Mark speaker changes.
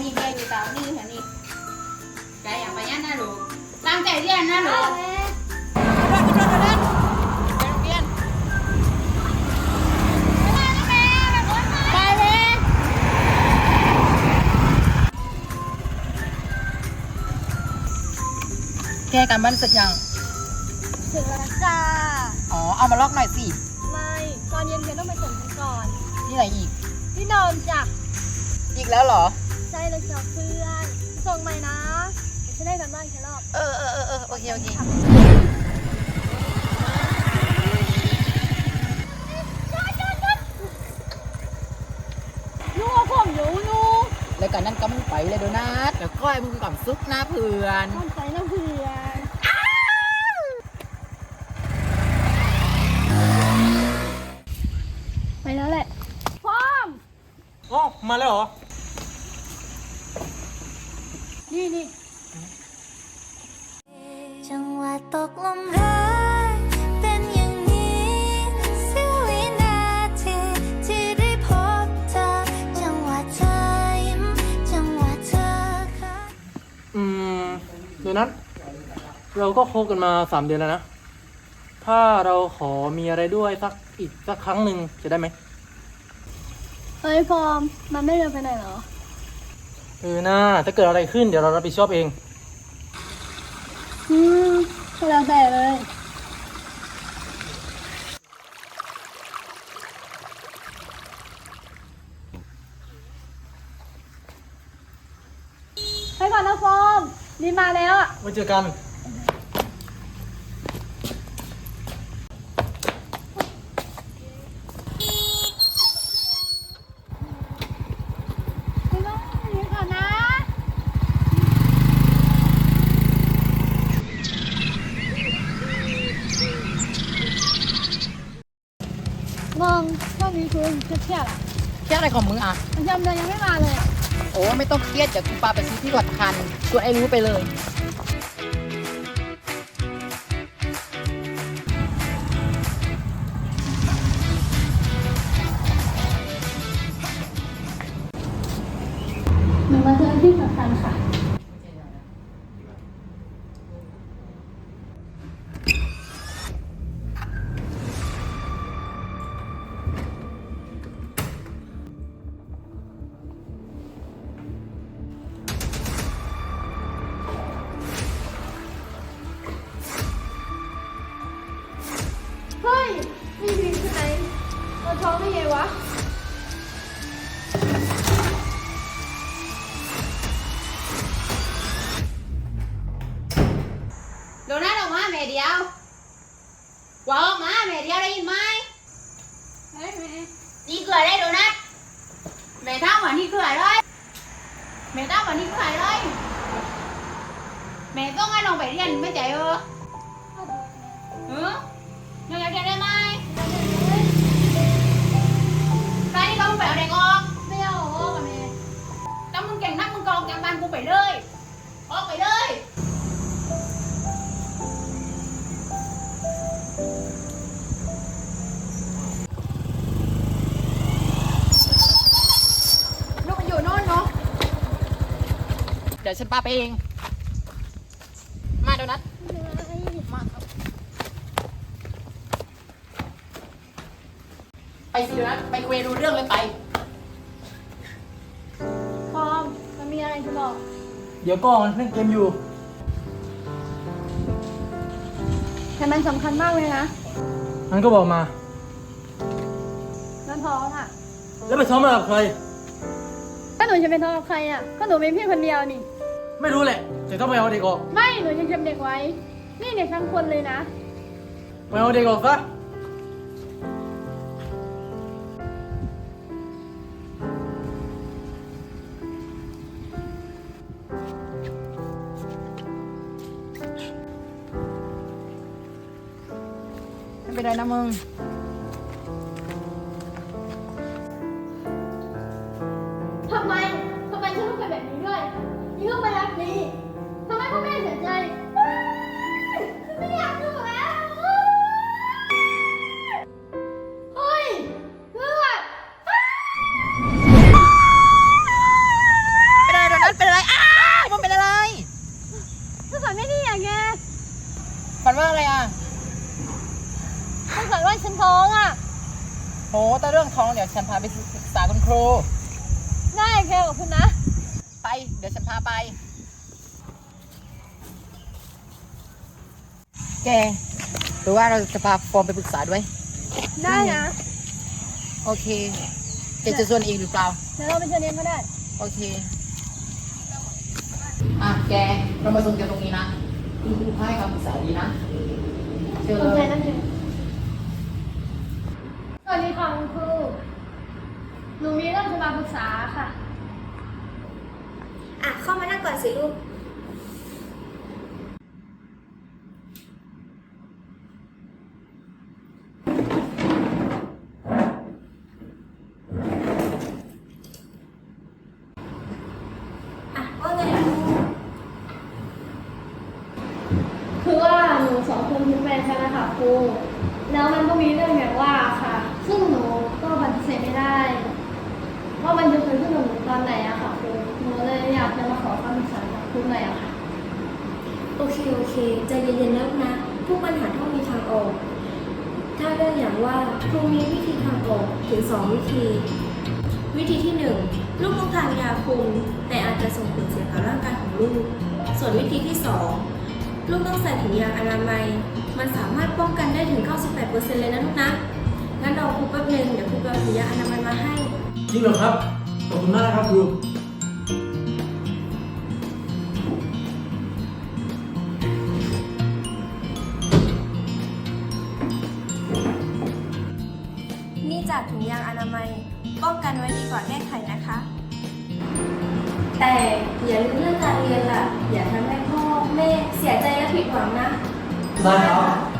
Speaker 1: นี่แม่อยู่ตามนี่ค่ะนี่ใจอย่างไปยันนะลูกตั้งใจเรียนนะลูกแก้กันบ้านเสร็จยัง
Speaker 2: เสร็จแล้วจ้า
Speaker 1: อ๋อเอามาลอกหน่อยสิ
Speaker 2: ไม่ตอนเย็นเธอต้องไปส่งฉันก่อน
Speaker 1: ที่ไหนอีก
Speaker 2: ที่นอนจ้ะ
Speaker 1: อีกแล้วเหรอ
Speaker 2: ใช่เลยจ้ะเพื่อนส่งใหม่นะฉันได้กันบ้านแค่รอบ
Speaker 1: โอเค
Speaker 2: ยูผมยู
Speaker 1: แล้วกันนั่นก็มึงไปเลยโดนัทเดี๋ยวก้อยมึงก่อนซุกนะเพื่อน
Speaker 2: มันใจนะเพื่อนไปแล้วแหละพร้อม
Speaker 3: อ๋อมาแล้วเหรอ
Speaker 2: นี่
Speaker 4: จังหวะตกลมรักเป็นอย่างนี้เสี้ยววินาทีที่ได้พบเธอจังหวะเธอยิ้มจังหวะเธอค่ะ
Speaker 3: เดี๋ยวนั้นเราก็คบกันมา3 เดือนแล้วนะถ้าเราขอมีอะไรด้วยอีกสักครั้งหนึ่งจะได้ไหม
Speaker 2: เฮ้ยพร้อมมันไม่เร็วไปไหนเหรอ
Speaker 3: น่าถ้าเกิดอะไรขึ้นเดี๋ยวเรารับผิดชอบเอง
Speaker 2: ก็แล้วแต่เลยไปก่อนนะฟอร์มรีบมาแล้วอ่ะ
Speaker 3: ไว้เจอกัน
Speaker 2: มองช่วงนี้คือเครียดอ่ะ
Speaker 1: เครียดอะไรของมึงอ่ะ
Speaker 2: มันยังไม่มาเลย
Speaker 1: โอ้ไม่ต้องเครียดเดี๋ยวกูพาไปซื้อที่กดทันกดไอ้รู้ไปเลย
Speaker 2: หนูมาเจอที่สำคัญค่ะเฮ้ยมีพิมพ์ใช่ไหมเราท้องได้ไงวะ
Speaker 1: โดนัทออกมาแม่เดียวว่าออกมาแม่เดียวได้ยินไหม
Speaker 2: เฮ้ยแม่
Speaker 1: นี่เกลือได้โดนัทแม่ทำวันนี้เกลือเลยแม่ทำวันนี้เกลือเลยแม่ต้องให้น้องไปเรียนไม่ใจน้องอยากเรียนได้ไหมใครที่เขาไปเอาเด็กออก
Speaker 2: ไม่เอาออกกับแม่
Speaker 1: ถ้ามึงเก่งนักมึงกองจากบ้านกูไปเลยออกไปเลยลูกมันอยู่โน่นเนาะเดี๋ยวฉันพาไปเองมาโดนัทมาครับไปสิโดนัทไปคุยดูเรื่องเลยไป
Speaker 2: พร้อมมันมีอะไรจะบอก
Speaker 3: เดี๋ยวก่อนเล่นเกมอยู่
Speaker 2: แต่มันสำคัญมากเลยนะ
Speaker 3: งั้นก็บอกมา
Speaker 2: นั่นพร้อมอ่ะ
Speaker 3: แล้วไปซ้อมมากับใคร
Speaker 2: ก็หนูจะเป็นท้องกับใครอ่ะก็หนูมีพี่คนเดียวนี่
Speaker 3: ไม่รู้แหละแต่ต้องไปเอาเด็กออก
Speaker 2: ไม่หนูยังจำเด็กไว้นี่เด็กทั้งคนเลยนะ
Speaker 3: ไปเอาเด็กออกซะ
Speaker 1: ไม่เป็นไรนะมึง
Speaker 2: ทำไมฉันต้องเป็นแบบนี้ด้วยนี่ก็ไปรักดีทำไมพ่อแม่เสียใจไม่อยากอยู่แล้วเฮ้ยเลือด
Speaker 1: เป็นไรโด
Speaker 2: งสัยว่าฉันท้องอ่ะ
Speaker 1: โหแต่เรื่องท้องเดี๋ยวฉันพาไปปรึกษาคุณครู
Speaker 2: ได้แค่กับคุณนะ
Speaker 1: ไป เดี๋ยวฉันพาไป แกหรือว่าเราจะพาฟอร์มไปปรึกษาด้วย
Speaker 2: ได้นะ
Speaker 1: โอเคแกจะชวนอีกหรือเปล่า
Speaker 2: เดี๋ยวเราไปเชิญเองก็ได้
Speaker 1: โอเค แก เรามาส่งแกตรงนี้นะคุณครูให้คำปรึกษาดีนะเชิญ
Speaker 2: สน
Speaker 1: เล
Speaker 2: ใจ
Speaker 1: ย
Speaker 2: นั่นเองสวัสดีค่ะคุณครู หนูมีเรื่องจะมาปรึกษาค่ะ
Speaker 5: เข้ามานั่งก่อนสิลูก ว่าไงลูก
Speaker 2: คือว่าหนูสองคนเป็นแฟนกันนะคะครู แล้วมันก็มีเรื่องแบบว่าค่ะ ซึ่งหนูก็ปฏิเสธไม่ได้ ว่ามันจะเกิดขึ้นกับหนูตอนไหนอะค่ะครู หนูเลยอยากจะมาขอคำปรึกษาจากครูหน่อยอะค่ะ
Speaker 5: โอเค ใจเย็นๆแล้วนะ ทุกปัญหาต้องมีทางออก ถ้าเรื่องอย่างว่าครูมีวิธีทางออกถึง 2 วิธี วิธีที่ 1 ลูกต้องทานยาคุม แต่อาจจะส่งผลเสียต่อร่างกายของลูก ส่วนวิธีที่ 2 ลูกต้องใส่ถุงยางอนามัย มันสามารถป้องกันได้ถึง 98% เลยนะลูกนะ งั้นรอครูแป๊บนึงเดี๋ยวครูไปเอาถุงยางอนามัยมาให้
Speaker 3: จริงเหรอครับ ขอบคุณมากนะครับครู
Speaker 5: นี่จากถุงยางอนามัย ป้องกันไว้ดีกว่าแก้ไขนะคะ แต่อย่าลืมเรื่องการเรียนล่ะ อย่าทำให้พ่อแม่เสียใจและผิดหวังนะ
Speaker 3: ได้ครับ